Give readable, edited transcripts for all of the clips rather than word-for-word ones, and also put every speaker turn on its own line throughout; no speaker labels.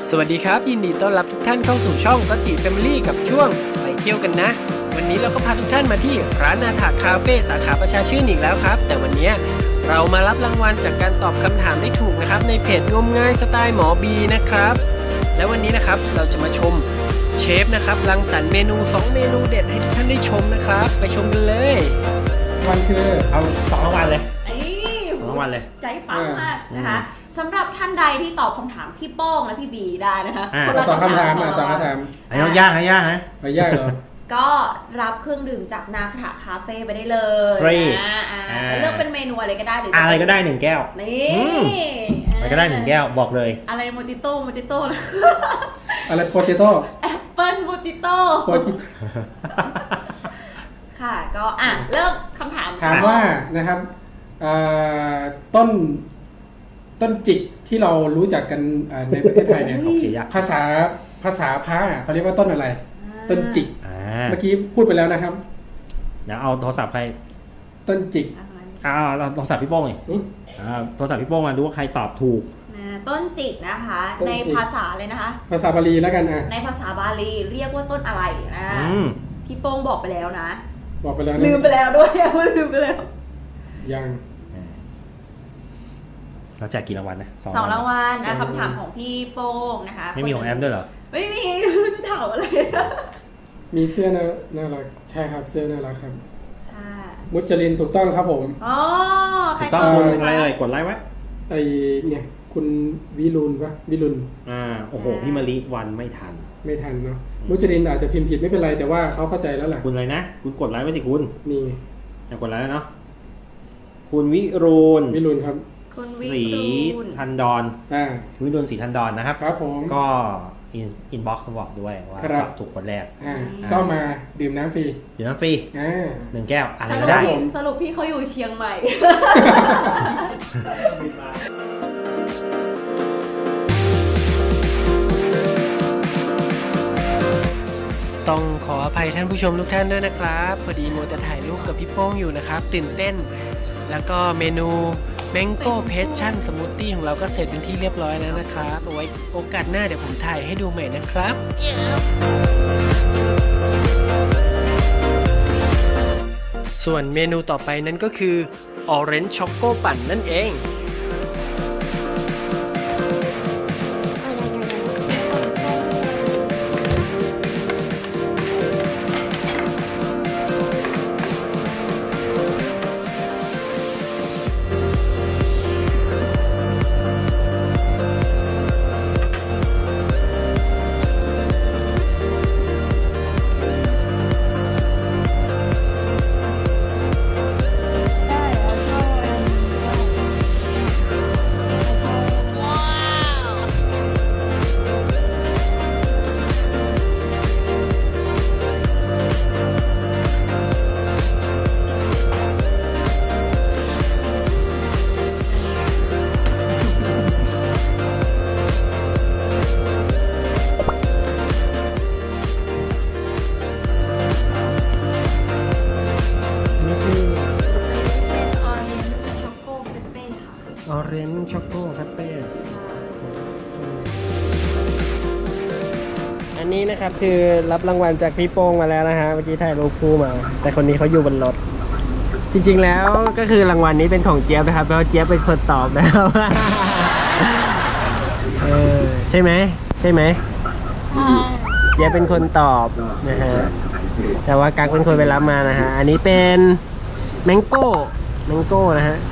สวัสดีครับยินดีต้อนรับทุกท่านเข้าสู่ช่องก็จิแฟมิลี่กับช่วงไปเที่ยวกันนะวันนี้เราก็พาทุกท่านมาที่ร้านนาถาคาเฟ่สาขาประชาชื่นอีกแล้วครับแต่วันนี้เรามารับรางวัลจากการตอบคำถามได้ถูกนะครับในเพจงมง่ายสไตล์หมอบีนะครับและวันนี้นะครับเราจะมาชมเชฟนะครับรังสรรค์เมนู2เมนูเด็ดให้ทุกท่านได้ชมนะครับไปชมกันเลย
วันคือ
เอา2 รางวัลเลย
2
รางวัลเลย
ใจปังมากนะคะสำหรับท่านใดที่ตอบคำถามพี่โป้งและพี่บีได้นะคะ
สองคำถาม
ไอ้ยากไอ้ยากนะ
ไม่ยากเหรอ
ก็รับเครื่องดื่มจากนาคาคาเฟ่ไปได้เลย
ฟรี
จะเลือกเป็นเมนูอะไรก็ได้หรือ
อะไรก็ได้1 แก้ว
นี่
อะไรก็ได้1 แก้วบอกเลย
อะไรโมจิโต้
อะไรโปเตโต้
แอปเปิ้ลโมจิโต้ค่ะก็เริ่มคำถาม
ถามว่านะครับต้นจิกที่เรารู้จักกันในประเทศไทยเนี่ยภาษาพระเขาเรียกว่าต้นอะไรต้นจิกเมื่อกี้พูดไปแล้วนะครับ
เดี๋ยวเอาโทรศัพท์ใคร
ต้นจิก
เราโทรศัพท์พี่โป้งเลยโทรศัพท์พี่โป้งมาดูว่าใครตอบถูก
ต้นจิกนะคะในภาษาเลยนะคะ
ภาษาบาลีแล้วกัน
ในภาษาบาลีเรียกว่าต้นอะไรนะพี่โป้งบอกไปแล้วนะ
บอกไปแล้ว
ลืมไปแล้วด้วยลืมไปแล้ว
ยัง
เราแจกกี่รางวัลนะ
2 รางวัลนะคำถามของพี่โป้งนะคะ
ไม่มีของแอมด้วยเหรอ
ไม่มีจะถามอะไร
มีเสื้อน่ารักใช่ครับเสื้อน่ารักครับมุจลินถูกต้องครับผม
ถูกต้องคุณอะไรกดไลค์ไว้
ไอเนี่ยคุณวิรุณปะวิรุณ
โอ้โหพี่มะลิวันไม่ทัน
เนาะมุจลินอาจจะพิมพ์ผิดไม่เป็นไรแต่ว่าเขาเข้าใจแล้วแหละ
คุณอะไรนะคุณกดไลค์ไว้สิคุณ
นี่
กดไลค์แล้วเนาะคุณวิรุณ
ครับ
ศรีทันดรวิรุณศรีทันดรนะครับ
ครับผม
ก็อินบ็อกซ์บอกด้วยว่าถูกคนแรก
ก็มาดื่มน้ำฟรี
1 แก้วอะไรก็ได้
สรุปพี่เขาอยู่เชียงใหม่
ต้องขออภัยท่านผู้ชมทุกท่านด้วยนะครับพอดีมัวแต่ถ่ายรูปกับพี่โป้งอยู่นะครับตื่นเต้นแล้วก็เมนูMango Passion Smoothie ของเราก็เสร็จเป็นที่เรียบร้อยแล้วนะครับเอาไว้โอกาสหน้าเดี๋ยวผมถ่ายให้ดูใหม่นะครับ ส่วนเมนูต่อไปนั้นก็คือ Orange Choco ปั่นนั่นเองOrange Choco Frappe อันนี้นะครับคือรับรางวัลจากพี่โป้งมาแล้วนะฮะเมื่อกี้ถ่ายรูปคู่มาแต่คนนี้เขาอยู่บนรถจริงๆแล้วก็คือรางวัลนี้เป็นของเจี๊ยบนะครับเพราะเจี๊ยบเป็นคนตอบนะครับใช่ไหมเจี๊ยบเป็นคนตอบนะฮะแต่ว่ากั๊กเป็นคนไปรับมานะฮะอันนี้เป็นแมงโก้นะฮะ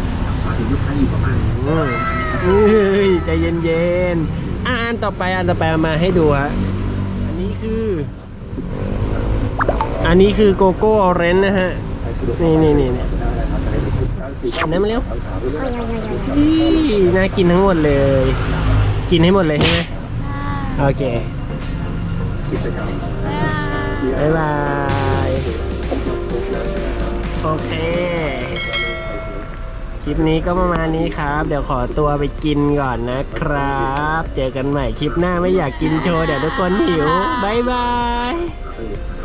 ใจเย็นๆอันต่อไปมาให้ดูฮะอันนี้คือโกโก้ออเรนจ์นะฮะนี่อันนั้นมาเร็วน่ากินทั้งหมดเลยกินให้หมดเลยใช่ไหมโอเคบ๊ายบายโอเคคลิปนี้ก็ประมาณนี้ครับเดี๋ยวขอตัวไปกินก่อนนะครับเจอกันใหม่คลิปหน้าไม่อยากกินโชว์เดี๋ยวทุกคนหิวบ๊ายบาย